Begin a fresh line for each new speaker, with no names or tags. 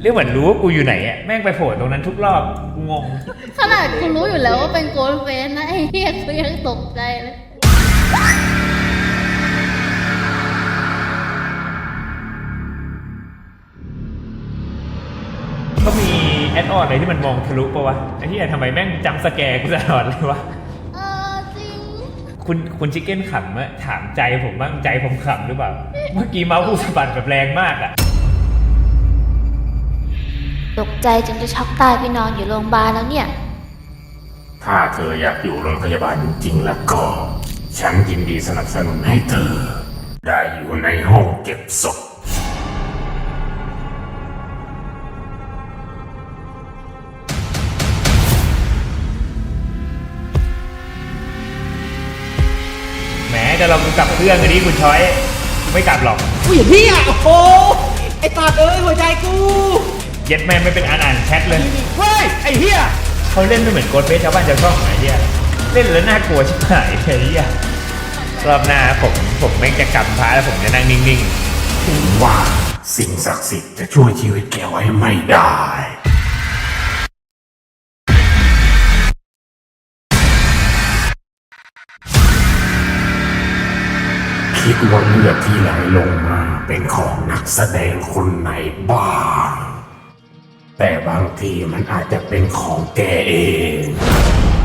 เรื่องเหมือนรู้ว่ากูอยู่ไหนอ่ะแม่งไปโผล่ตรงนั้นทุกรอบงง
ขนาดกูรู้อยู่แล้วว่าเป็นโกลเฟสนะไอ้เหี้ยกูยังตกใจเลย
ก็มีแอดออนอะไรที่มันมองทะลุปะวะไอ้ที่ทำไมแม่งจำสแกร์กูตลอดเลยวะ
จริง
คุณชิคเก้นขำอะถามใจผมบ้างใจผมขำหรือเปล่าเมื่อกี้เมาส์กูสะบัดแบบแรงมากอะ
ตกใจจนจะช็อกตายไปนอนอยู่โรงพยาบาลแล้วเนี่ย
ถ้าเธออยากอยู่โรงพยาบาลจริงๆแล้วก็ ฉันยินดีสนับสนุนให้เธอ ได้อยู่ในห้องเก็บศพ
แหมจะลองกลับเครื่องกันดิคุณช้อยไม่กลับหรอก
อุ้ยพี่อ่ะโอ้โหไอ้ตาเอ้ยหัวใจกู
เย็ดแม่ไม่เป็นอ่านแชทเลย
เฮ้ยไอ้เหี้ย
เขาเล่นไม่เหมือนโกดเฟสชาวบ้านชาวช่องไอ้เหี้ยเล่นแล้วน่ากลัวชิบหายไอ้เหี้ยรอบหน้าผมแม่งจะกลับพาแล้วผมจะนั่งนิ่งๆ
ถึงว่าสิ่งศักดิ์สิทธิ์จะช่วยชีวิตแกไว้ไม่ได้คิดว่าเลือดที่ไหลลงมาเป็นของนักแสดงคนไหนบ้างแต่บางทีมันอาจจะเป็นของแกเอง